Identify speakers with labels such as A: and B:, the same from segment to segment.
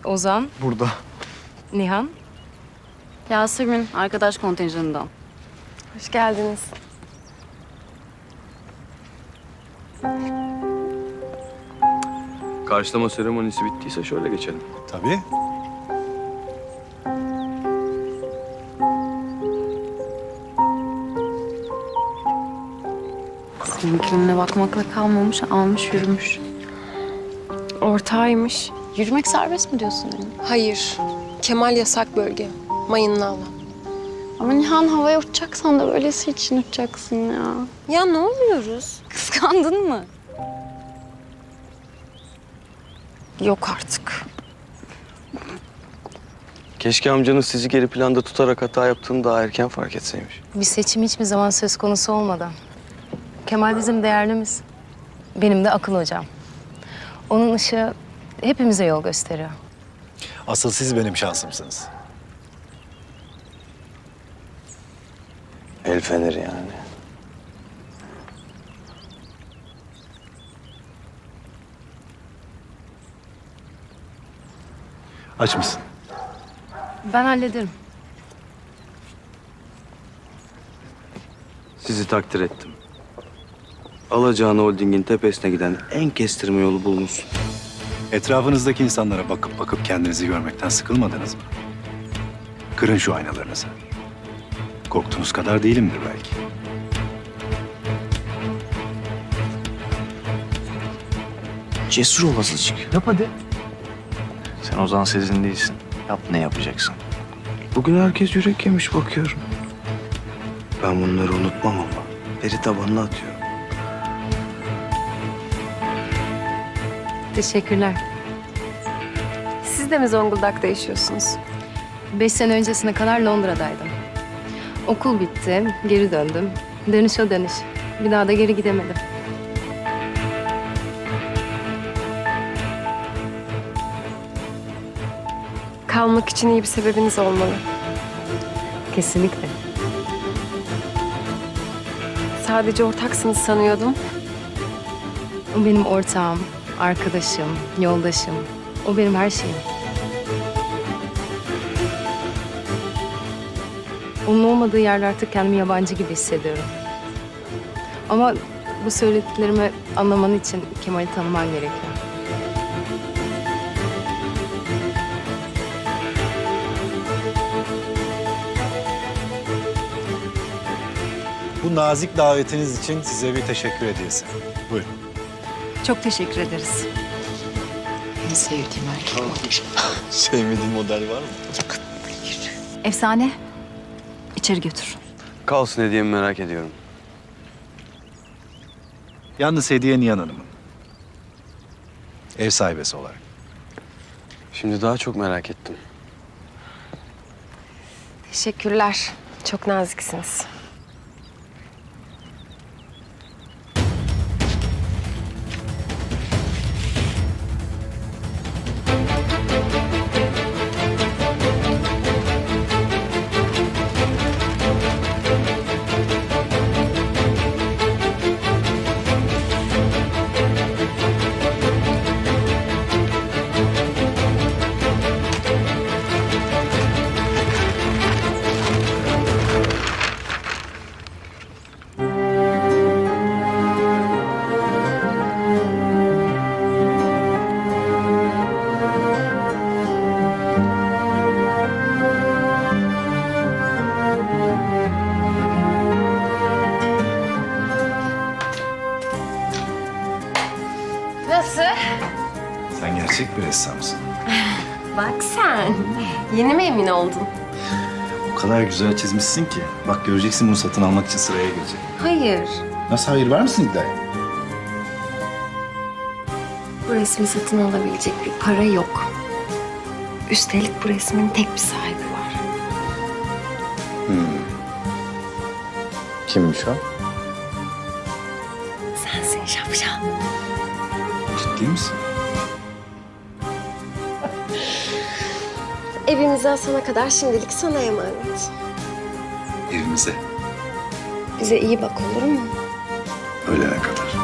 A: Ozan,
B: Burada.
A: Nihan.
C: Yasemin, arkadaş kontenjanından.
D: Hoş geldiniz.
E: Karşılama seremonisi bittiyse şöyle geçelim.
B: Tabii.
C: Seninkine bakmakla kalmamış, almış yürümüş.
D: Ortağıymış.
C: Yürümek serbest mi diyorsun yani?
D: Hayır. Kemal yasak bölge. Mayınlı alan.
C: Ama Nihan havaya uçacaksan da böylesi için uçacaksın ya.
D: Ya ne oluyoruz?
C: Kıskandın mı?
D: Yok artık.
E: Keşke amcanız sizi geri planda tutarak hata yaptığını daha erken fark etseymiş.
A: Bir seçim hiçbir zaman söz konusu olmadı. Kemal bizim değerlimiz. Benim de akıl hocam. Onun ışığı hepimize yol gösteriyor.
B: Asıl siz benim şansımsınız.
E: El feneri yani.
B: Aç mısın?
A: Ben hallederim.
E: Sizi takdir ettim. Alacağın holdingin tepesine giden en kestirme yolu bulmuşsun.
B: Etrafınızdaki insanlara bakıp bakıp kendinizi görmekten sıkılmadınız mı? Kırın şu aynalarınızı. Korktuğunuz kadar değilimdir belki.
F: Cesur ol azıcık.
B: Yap hadi.
F: Sen Ozan Sezin değilsin. Yap ne yapacaksın.
E: Bugün herkes yürek yemiş bakıyorum. Ben bunları unutmam ama. Veri tabanına atıyorum.
A: Teşekkürler.
D: Siz de mi Zonguldak'ta yaşıyorsunuz?
A: 5 sene öncesine kadar Londra'daydım. Okul bitti, geri döndüm. Dönüş o dönüş. Bir daha da geri gidemedim.
D: Kalmak için iyi bir sebebiniz olmalı.
A: Kesinlikle.
D: Sadece ortaksınız sanıyordum.
A: O benim ortağım, arkadaşım, yoldaşım. O benim her şeyim. Onun olmadığı yerde artık kendimi yabancı gibi hissediyorum. Ama bu söylediklerimi anlaman için Kemal'i tanıman gerekiyor.
B: Bu nazik davetiniz için size bir teşekkür hediyesi. Buyurun.
C: Çok teşekkür ederiz. En sevdiğim erkek olmuş.
B: Sevmediğin model var mı?
C: Efsane. İçeri götür.
E: Kalsın hediyemi merak ediyorum.
B: Yalnız hediye Nihan Hanım'ın. Ev sahibesi olarak.
E: Şimdi daha çok merak ettim.
D: Teşekkürler. Çok naziksiniz. Nasıl?
B: Sen gerçek bir ressamsın.
D: Bak sen. Yeni mi emin oldun?
B: O kadar güzel çizmişsin ki. Bak göreceksin bunu satın almak için sıraya girecek.
D: Hayır.
B: Nasıl hayır, var mısın iddiaya?
D: Bu resmi satın alabilecek bir para yok. Üstelik bu resmin tek bir sahibi var.
B: Kimmiş o?
D: Sensin şapşal.
B: Ciddi misin?
D: Evimizi asana kadar şimdilik sana emanet.
B: Evimize.
D: Bize iyi bak, olur mu?
B: Ölene kadar.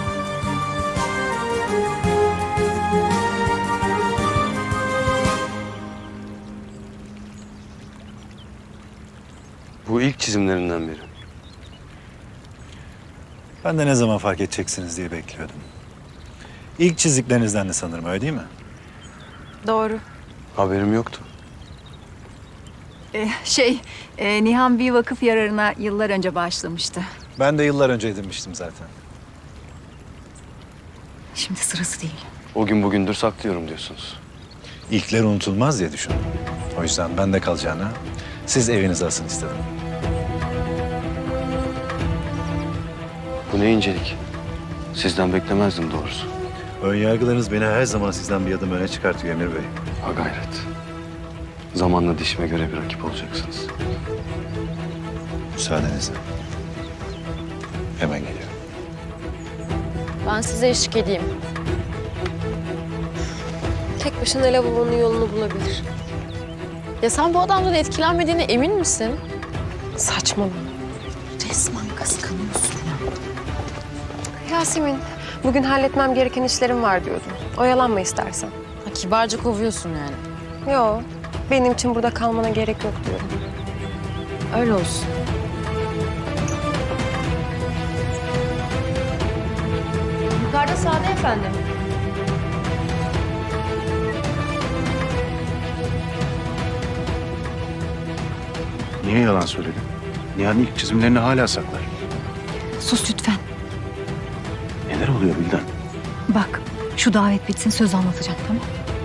G: Bu ilk çizimlerinden biri.
B: Ben de ne zaman fark edeceksiniz diye bekliyordum. İlk çizdiklerinizden de sanırım, öyle değil mi?
H: Doğru.
G: Haberim yoktu.
H: Nihan bir vakıf yararına yıllar önce bağışlamıştı.
B: Ben de yıllar önce edinmiştim zaten.
H: Şimdi sırası değil.
G: O gün bugündür saklıyorum diyorsunuz.
B: İlkler unutulmaz diye düşündüm. O yüzden ben de kalacağına siz evinize asın istedim.
G: Bu ne incelik. Sizden beklemezdim doğrusu.
B: Ön yargılarınız beni her zaman sizden bir adım öne çıkartıyor Emir Bey.
G: Ha gayret. Zamanla dişime göre bir rakip olacaksınız.
B: Müsaadenizle. Hemen geliyorum.
C: Ben size eşlik edeyim.
D: Tek başına lavabonun yolunu bulabilir.
C: Ya sen bu adamdan etkilenmediğine emin misin?
D: Saçmalama.
H: Resmen kıskanıyorsun ya.
D: Yasemin, bugün halletmem gereken işlerim var diyordum. Oyalanma istersen.
C: Ha, kibarca kovuyorsun yani.
D: Yo, benim için burada kalmana gerek yok diyorum.
C: Öyle olsun. Yukarıda sağda efendim.
I: Niye yalan söyledin? Nihan ilk çizimlerini hala saklar.
H: Sus lütfen.
I: Neler oluyor Bildan?
H: Bak şu davet bitsin söz anlatacağım tamam.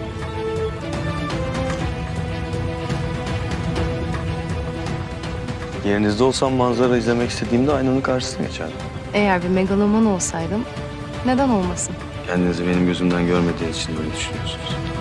G: Yerinizde olsam manzara izlemek istediğimde aynanın karşısına geçerdim.
A: Eğer bir megaloman olsaydım neden olmasın?
G: Kendinizi benim gözümden görmediğiniz için böyle düşünüyorsunuz.